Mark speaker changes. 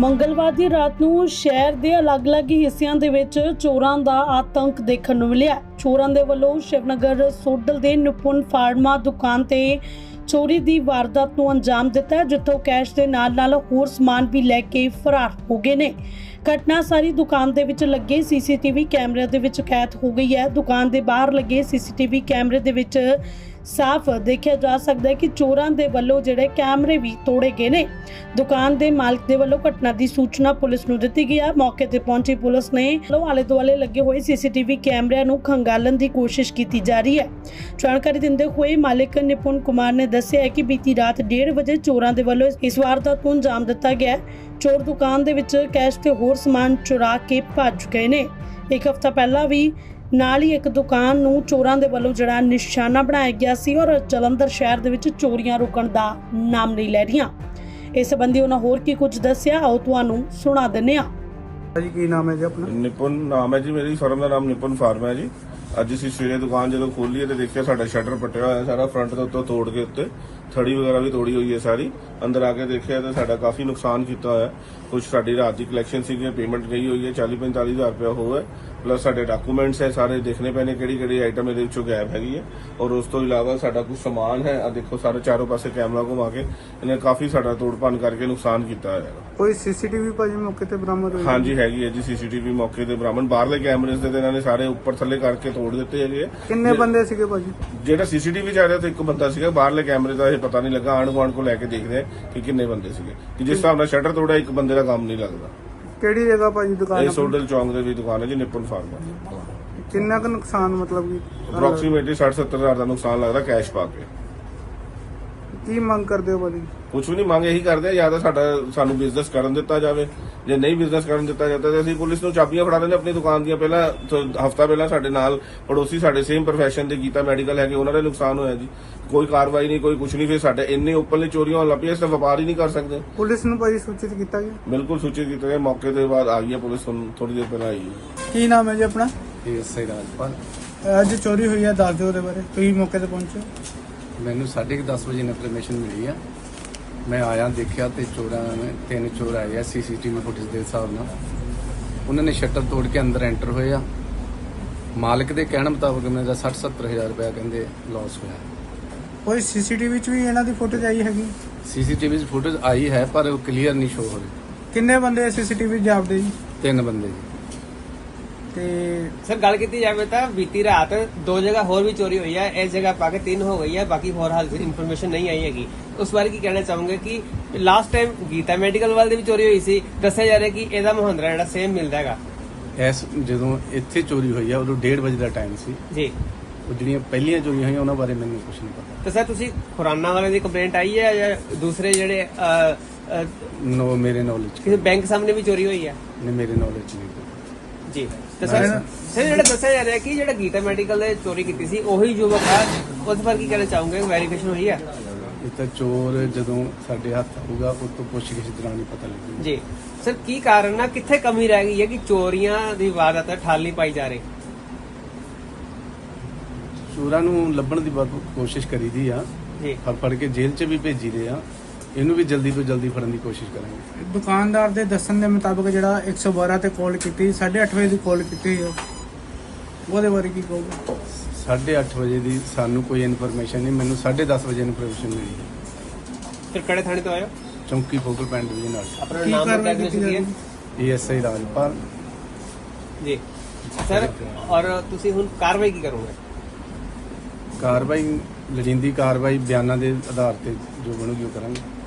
Speaker 1: ਮੰਗਲਵਾਰ ਦੀ ਰਾਤ ਨੂੰ ਸ਼ਹਿਰ ਦੇ ਅਲੱਗ-ਅਲੱਗ ਹਿੱਸਿਆਂ ਦੇ ਵਿੱਚ ਚੋਰਾਂ ਦਾ ਆਤੰਕ ਦੇਖਣ ਨੂੰ ਮਿਲਿਆ। ਚੋਰਾਂ ਦੇ ਵੱਲੋਂ ਸ਼ਿਵਨਗਰ ਸੋਡਲ ਦੇ ਨਿਪੁੰਨ ਫਾਰਮਾ ਦੁਕਾਨ ਤੇ ਚੋਰੀ ਦੀ ਵਾਰਦਾਤ ਨੂੰ ਅੰਜਾਮ ਦਿੱਤਾ, ਜਿੱਥੋਂ ਕੈਸ਼ ਦੇ ਨਾਲ-ਨਾਲ ਹੋਰ ਸਮਾਨ ਵੀ ਲੈ ਕੇ ਫਰਾਰ ਹੋ ਗਏ ਨੇ। ਘਟਨਾ ਸਾਰੀ ਦੁਕਾਨ ਦੇ ਵਿੱਚ ਲੱਗੇ ਸੀਸੀਟੀਵੀ ਕੈਮਰੇ ਦੇ ਵਿੱਚ ਕੈਦ ਹੋ ਗਈ ਹੈ। ਦੁਕਾਨ ਦੇ ਬਾਹਰ ਲੱਗੇ ਸੀਸੀਟੀਵੀ ਕੈਮਰੇ ਦੇ ਵਿੱਚ ਸਾਫ਼ ਦੇਖਿਆ ਜਾ ਸਕਦਾ ਹੈ ਕਿ ਚੋਰਾਂ ਦੇ ਵੱਲੋਂ ਜਿਹੜੇ ਕੈਮਰੇ ਵੀ ਤੋੜੇ ਗਏ ਨੇ। ਦੁਕਾਨ ਦੇ ਮਾਲਕ ਦੇ ਵੱਲੋਂ ਘਟਨਾ ਦੀ ਸੂਚਨਾ ਪੁਲਿਸ ਨੂੰ ਦਿੱਤੀ ਗਈ ਹੈ। ਮੌਕੇ ਤੇ ਪਹੁੰਚੀ ਪੁਲਿਸ ਨੇ ਆਲੇ ਦੁਆਲੇ ਲੱਗੇ ਹੋਏ ਸੀਸੀਟੀਵੀ ਕੈਮਰਿਆਂ ਨੂੰ ਖੰਗਾਲਣ ਦੀ ਕੋਸ਼ਿਸ਼ ਕੀਤੀ ਜਾ ਰਹੀ ਹੈ। ਜਾਣਕਾਰੀ ਦਿੰਦੇ ਹੋਏ ਮਾਲਕ ਨਿਪੁੰਨ ਕੁਮਾਰ ਨੇ ਦੱਸਿਆ ਹੈ ਕਿ ਬੀਤੀ ਰਾਤ 1:30 ਵਜੇ ਚੋਰਾਂ ਦੇ ਵੱਲੋਂ ਇਸ ਵਾਰਦਾਤ ਨੂੰ ਅੰਜਾਮ ਦਿੱਤਾ ਗਿਆ। ਚੋਰ ਦੁਕਾਨ ਦੇ ਵਿੱਚ ਕੈਸ਼ ਤੇ ਹੋਰ ਸਮਾਨ ਚੁਰਾ ਕੇ ਭੱਜ ਗਏ ਨੇ। ਇੱਕ ਹਫ਼ਤਾ ਪਹਿਲਾਂ ਵੀ ਨਾਲ ਹੀ ਇੱਕ ਦੁਕਾਨ ਨੂੰ ਚੋਰਾਂ ਦੇ ਵੱਲੋਂ ਜਿਹੜਾ ਨਿਸ਼ਾਨਾ ਬਣਾਇਆ ਗਿਆ ਸੀ ਔਰ ਜਲੰਧਰ ਸ਼ਹਿਰ ਦੇ ਵਿੱਚ ਚੋਰੀਆਂ ਰੁਕਣ ਦਾ ਨਾਮ ਨਹੀਂ ਲੈ ਰਹੀਆਂ। ਇਸ ਸੰਬੰਧੀ ਉਹਨਾਂ ਹੋਰ ਕੀ ਕੁਝ ਦੱਸਿਆ, ਆਓ ਤੁਹਾਨੂੰ ਸੁਣਾ ਦਿੰਦੇ ਹਾਂ।
Speaker 2: ਜੀ ਕੀ ਨਾਮ ਹੈ ਜੀ ਆਪਣਾ?
Speaker 3: ਨਿਪੁੰਨ ਨਾਮ ਹੈ ਜੀ, ਮੇਰੀ ਫਰਮ ਦਾ ਨਾਮ ਨਿਪੁੰਨ ਫਾਰਮਾ ਹੈ ਜੀ। ਅੱਜ ਅਸੀਂ ਸਵੇਰੇ ਦੁਕਾਨ ਜਦੋਂ ਖੋਲੀ ਹੈ ਤੇ ਦੇਖਿਆ ਸਾਡਾ ਸ਼ਟਰ ਪੱਟਿਆ ਹੋਇਆ ਸਾਰਾ, ਫਰੰਟ ਤੋਂ ਉੱਤੋਂ ਤੋੜ ਕੇ ਉੱਤੇ ਥੜੀ ਵਗੈਰਾ ਵੀ ਤੋੜੀ ਹੋਈ ਹੈ ਸਾਰੀ। ਅੰਦਰ ਆ ਕੇ ਦੇਖਿਆ ਤਾਂ ਸਾਡਾ ਕਾਫੀ ਨੁਕਸਾਨ ਕੀਤਾ ਹੋਇਆ। ਕੁਝ ਸਾਡੀ ਰਾਤ ਦੀ ਕਲੈਕਸ਼ਨ ਸੀਗੀ, ਪੇਮੈਂਟ ਗਈ ਹੋਈ ਹੈ 40-45 ਹਜ਼ਾਰ ਰੁਪਇਆ ਹੋਇਆ, ਪਲੱਸ ਸਾਡੇ ਡਾਕੂਮੈਂਟਸ ਹੈ ਸਾਰੇ ਦੇਖਣੇ ਪੈਣੇ ਕਿਹੜੀ ਆਈਟਮ ਇਹਦੇ ਵਿੱਚੋਂ ਗਾਇਬ ਹੈਗੀ ਹੈ। ਔਰ ਉਸ ਤੋਂ ਇਲਾਵਾ ਸਾਡਾ ਕੁਝ ਸਮਾਨ ਹੈ, ਆ ਦੇਖੋ ਸਾਰੇ ਚਾਰੋਂ ਪਾਸੇ ਕੈਮਰਾ ਘੁਮਾ ਕੇ ਇਹਨੇ ਕਾਫੀ ਸਾਡਾ ਤੋੜ-ਭੰਨ ਕਰਕੇ ਨੁਕਸਾਨ ਕੀਤਾ ਹੋਇਆ।
Speaker 2: ਕੋਈ ਸੀਸੀਟੀਵੀ ਭਾਜੀ ਮੌਕੇ ਤੇ ਬਰਾਮਦ ਹੋਈ?
Speaker 3: ਹਾਂਜੀ ਹੈਗੀ ਹੈ ਜੀ ਸੀਸੀਟੀਵੀ ਮੌਕੇ ਤੇ ਬਰਾਮਦ। ਬਾਹਰਲੇ ਕੈਮਰੇਸ ਦੇ ਇਹਨਾਂ ਨੇ ਸਾਰੇ ਉੱਪਰ ਥੱਲੇ ਕਰਕੇ ਤੋੜ ਦਿੱਤੇ ਹੈਗੇ।
Speaker 2: ਕਿੰਨੇ ਬੰਦੇ ਸੀਗੇ ਭਾਜੀ?
Speaker 3: ਜਿਹੜਾ ਸੀਸੀਟੀਵੀ ਚ ਆ ਰਿਹਾ ਤਾਂ ਇੱਕ ਬੰਦਾ ਸੀਗਾ, ਬਾਹਰਲੇ ਕੈਮਰੇ ਦਾ ਇਹ ਪਤਾ ਨਹੀਂ ਲੱਗਾ। ਆਂਢ ਗੁਆਂਢ ਕੋ ਲੈ ਕੇ ਦੇਖਦੇ ਆ ਕਿ ਕਿੰਨੇ ਬੰਦੇ ਸੀਗੇ, ਕਿ ਜਿਸ ਹਿਸਾਬ ਨਾਲ ਸ਼ਟਰ ਤੋੜਿਆ ਇੱਕ ਬੰਦੇ ਦਾ ਕੰਮ ਨਹੀਂ ਲੱਗਦਾ।
Speaker 2: ਕਿਹੜੀ ਜਗ੍ਹਾ ਭਾਜੀ ਦੁਕਾਨ?
Speaker 3: ਇਹ ਸੋਡਲ ਚੌਂਕ ਦੇ ਵੀ ਦੁਕਾਨ ਹੈ ਜੀ, ਨਿਪੁੰਨ ਫਾਰਮਾ।
Speaker 2: ਕਿੰਨਾ ਕੁ ਨੁਕਸਾਨ ਮਤਲਬ ਕਿ
Speaker 3: ਅਪਰੋਕਸੀਮੇਟਲੀ 60-70 ਹਜ਼ਾਰ ਦਾ ਨੁਕਸਾਨ ਲੱਗਦਾ ਕੈਸ਼ ਪਾ ਕੇ।
Speaker 2: ਕੀ ਮੰਗ ਕਰਦੇ ਹੋ ਭਾਜੀ?
Speaker 3: ਕੁਝ ਵੀ ਨਹੀਂ ਮੰਗ ਇਹੀ ਕਰਦੇ ਆ, ਜਾਂ ਤਾਂ ਸਾਨੂੰ ਬਿਜ਼ਨਸ ਕਰਨ ਦਿੱਤਾ ਜਾਵੇ, ਜੇ ਨਹੀਂ ਬਿਜ਼ਨਸ ਕਰਨ ਦਿੱਤਾ ਜਾਂਦਾ ਤਾਂ ਅਸੀਂ ਪੁਲਿਸ ਨੂੰ ਚਾਬੀਆਂ ਫੜਾ ਦਿੰਦੇ ਆਪਣੀ ਦੁਕਾਨ ਦੀਆਂ। ਪਹਿਲਾਂ ਹਫਤਾ ਪਹਿਲਾਂ ਸਾਡੇ ਨਾਲ ਪੜੋਸੀ ਸਾਡੇ ਸੇਮ ਪ੍ਰੋਫੈਸ਼ਨ ਦੇ ਗੀਤਾ ਮੈਡੀਕਲ ਹੈਗੇ, ਉਹਨਾਂ ਦਾ ਨੁਕਸਾਨ ਹੋਇਆ ਜੀ। ਕੋਈ ਕਾਰਵਾਈ ਨਹੀਂ, ਕੋਈ ਕੁਝ ਨਹੀਂ। ਫਿਰ ਸਾਡੇ ਇੰਨੇ ਓਪਨਲੀ ਚੋਰੀਆਂ ਹੋਣ ਲੱਗ ਪਈਆਂ, ਇਸ ਤਾਂ ਵਪਾਰ ਹੀ ਨਹੀਂ ਕਰ ਸਕਦੇ।
Speaker 2: ਪੁਲਿਸ ਨੂੰ ਭਾਜੀ ਸੂਚਿਤ ਕੀਤਾ ਗਿਆ?
Speaker 3: ਬਿਲਕੁਲ ਸੂਚਿਤ ਕੀਤਾ ਗਿਆ। ਮੌਕੇ ਦੇ ਬਾਅਦ ਆ ਗਈ ਹੈ ਪੁਲਿਸ, ਥੋੜੀ ਦੇਰ ਪਹਿਲਾਂ ਆਈ ਹੈ।
Speaker 2: ਕੀ ਨਾਮ ਹੈ ਜੀ ਆਪਣਾ?
Speaker 4: ਐਸਆਈ ਰਾਜਪਾਲ।
Speaker 2: ਅੱਜ ਚੋਰੀ ਹੋਈ ਹੈ, ਦੱਸ ਦਿਓ ਉਹਦੇ ਬਾਰੇ। ਤੁਸੀਂ ਮੌਕੇ ਤੇ ਪਹੁੰਚੇ?
Speaker 4: ਮੈਨੂੰ 10:30 ਵਜੇ ਇਨਫੋਰਮੇਸ਼ਨ ਮਿਲੀ ਆ। ਮੈਂ ਆਇਆ, ਦੇਖਿਆ ਤੇ ਚੋਰਾਂ ਨੇ 3 ਚੋਰ ਆਏ ਆ ਸੀਸੀਟੀਵੀ ਫੁਟੇਜ ਦੇ ਹਿਸਾਬ ਨਾਲ। ਉਹਨਾਂ ਨੇ ਸ਼ਟਰ ਤੋੜ ਕੇ ਅੰਦਰ ਐਂਟਰ ਹੋਏ ਆ। ਮਾਲਕ ਦੇ ਕਹਿਣ ਮੁਤਾਬਕ ਮੇਰਾ 60-70 ਹਜ਼ਾਰ ਰੁਪਇਆ ਕਹਿੰਦੇ ਲਾਸ ਹੋਇਆ।
Speaker 2: ਕੋਈ ਸੀਸੀਟੀਵੀ 'ਚ ਵੀ ਇਹਨਾਂ ਦੀ ਫੁਟੇਜ ਆਈ ਹੈਗੀ?
Speaker 4: ਸੀਸੀਟੀਵੀ 'ਚ ਫੁਟੇਜ ਆਈ ਹੈ ਪਰ ਉਹ ਕਲੀਅਰ ਨਹੀਂ ਸ਼ੋ ਹੋ ਰਹੀ।
Speaker 2: ਕਿੰਨੇ ਬੰਦੇ ਸੀਸੀਟੀਵੀ ਜਾਪਦੇ ਜੀ?
Speaker 4: 3 ਬੰਦੇ ਜੀ।
Speaker 2: ਤੇ
Speaker 5: ਸਰ ਗੱਲ ਕੀਤੀ ਜਾਵੇ ਤਾਂ ਬੀਤੀ ਰਾਤ 2 ਜਗ੍ਹਾ ਹੋਰ ਵੀ ਚੋਰੀ ਹੋਈ ਹੈ। ਇਸ ਜਗ੍ਹਾ ਪਾ ਕੇ 3 ਹੋ ਗਈ ਹੈ, ਬਾਕੀ ਹੋਰ ਹਾਲ ਇਨਫੋਰਮੇਸ਼ਨ ਨਹੀਂ ਆਈ ਹੈਗੀ। ਉਸ ਬਾਰੇ ਕੀ ਕਹਿਣਾ ਚਾਹੋਗੇ ਕਿ ਲਾਸਟ ਟਾਈਮ ਗੀਤਾ ਮੈਡੀਕਲ ਵਾਲ ਦੀ ਵੀ ਚੋਰੀ ਹੋਈ ਸੀ, ਦੱਸਿਆ ਜਾ ਰਿਹਾ ਕਿ ਇਹਦਾ ਮੁਹੰਦਰਾ ਜਿਹੜਾ ਸੇਮ ਮਿਲਦਾ ਹੈਗਾ।
Speaker 4: ਜਦੋਂ ਇੱਥੇ ਚੋਰੀ ਹੋਈ ਆ ਉਦੋਂ 1:30 ਵਜੇ ਦਾ ਟਾਈਮ ਸੀ
Speaker 5: ਜੀ।
Speaker 4: ਉਹ ਜਿਹੜੀਆਂ ਪਹਿਲੀਆਂ ਚੋਰੀਆਂ ਹੋਈਆਂ ਉਹਨਾਂ ਬਾਰੇ ਮੈਨੂੰ ਕੁਝ ਨਹੀਂ ਪਤਾ।
Speaker 5: ਤਾਂ ਸਰ ਤੁਸੀਂ ਖੁਰਾਨਾ ਵਾਲੇ ਦੀ ਕੰਪਲੇਂਟ ਆਈ ਹੈ ਜਾਂ ਦੂਸਰੇ ਜਿਹੜੇ
Speaker 4: ਨੋ ਮੇਰੇ ਨੌਲੇਜ
Speaker 5: ਕਿਸੇ ਬੈਂਕ ਸਾਹਮਣੇ ਵੀ ਚੋਰੀ ਹੋਈ ਹੈ?
Speaker 4: ਨਹੀਂ, ਮੇਰੇ ਨੌਲੇਜ ਨਹੀਂ।
Speaker 5: ਜੀ। ਤਾਂ ਸਰ ਜਿਹੜਾ ਦੱਸਿਆ ਜਾ ਰਿਹਾ ਕਿ ਜਿਹੜਾ ਗੀਤਾ ਮੈਡੀਕਲ ਦੇ ਚੋਰੀ ਕੀਤੀ ਸੀ ਉਹੀ ਯੁਵਕ ਹੈ, ਉਸ ਬਾਰੇ ਕੀ ਕਹਿਣਾ ਚਾਹੋਗੇ? ਵੈਰੀਫਿਕੇਸ਼ਨ ਹੋਈ ਹੈ?
Speaker 4: ਇਹ ਤਾਂ ਚੋਰ ਜਦੋਂ ਸਾਡੇ ਹੱਥ ਆਊਗਾ ਉਸ ਤੋਂ ਪੁੱਛਗਿੱਛ ਦੌਰਾਨ ਹੀ ਪਤਾ ਲੱਗੇਗਾ
Speaker 5: ਜੀ। ਸਰ ਕੀ ਕਾਰਨ ਆ, ਕਿੱਥੇ ਕਮੀ ਰਹਿ ਗਈ ਹੈ ਕਿ ਚੋਰੀਆਂ ਦੀ ਵਾਰਦਾਤ ਠੱਲ ਨਹੀਂ ਪਾਈ ਜਾ ਰਹੀ?
Speaker 4: ਚੋਰਾਂ ਨੂੰ ਲੱਭਣ ਦੀ ਬਹੁਤ ਕੋਸ਼ਿਸ਼ ਕਰੀਦੀ ਆ
Speaker 5: ਜੀ।
Speaker 4: ਫੜ ਕੇ ਜੇਲ੍ਹ 'ਚ ਵੀ ਭੇਜੀ ਦੇ ਆ। ਇਹਨੂੰ ਵੀ ਜਲਦੀ ਤੋਂ ਜਲਦੀ ਫੜਨ ਦੀ ਕੋਸ਼ਿਸ਼ ਕਰਾਂਗੇ।
Speaker 2: ਦੁਕਾਨਦਾਰ ਦੇ ਦੱਸਣ ਦੇ ਮੁਤਾਬਕ ਜਿਹੜਾ 112 ਤੇ ਕਾਲ ਕੀਤੀ, 8:30 ਵਜੇ ਦੀ ਕਾਲ ਕੀਤੀ ਹੋਈ, ਉਹਦੇ ਬਾਰੇ ਕੀ ਕਹੋਗੇ?
Speaker 4: 8:30 ਵਜੇ ਦੀ ਸਾਨੂੰ ਕੋਈ ਇਨਫੋਰਮੇਸ਼ਨ ਨਹੀਂ। ਮੈਨੂੰ 10:30 ਵਜੇ ਇਨਫੋਰਮੇਸ਼ਨ ਮਿਲੀ ਹੈ।
Speaker 5: ਫਿਰ ਕਿਹੜੇ ਥਾਣੇ ਤੋਂ ਆਇਓ?
Speaker 4: ਚੌਂਕੀ ਫੋਕਲ ਪੁਆਇੰਟ ਡਿਵੀਜ਼ਨ ਨਾਲ।
Speaker 5: ਆਪਣਾ
Speaker 2: ਕੀ
Speaker 5: ਨਾਮ
Speaker 2: ਕਾਰਵਾਈ
Speaker 5: ਬਤਾ
Speaker 2: ਕੀਤੀ
Speaker 5: ਦਿਓ।
Speaker 2: ਜਾ ਰਹੀ?
Speaker 4: ਐਸਆਈ ਰਾਜਪਾਲ
Speaker 5: ਜੀ ਸਰ, ਔਰ ਤੁਸੀਂ ਹੁਣ ਕਾਰਵਾਈ ਕੀ ਕਰੋਗੇ?
Speaker 4: ਕਾਰਵਾਈ ਲੋੜੀਂਦੀ ਕਾਰਵਾਈ ਬਿਆਨਾਂ ਦੇ ਆਧਾਰ ਤੇ ਜੋ ਬਣੂਗੀ ਉਹ ਕਰਾਂਗੇ।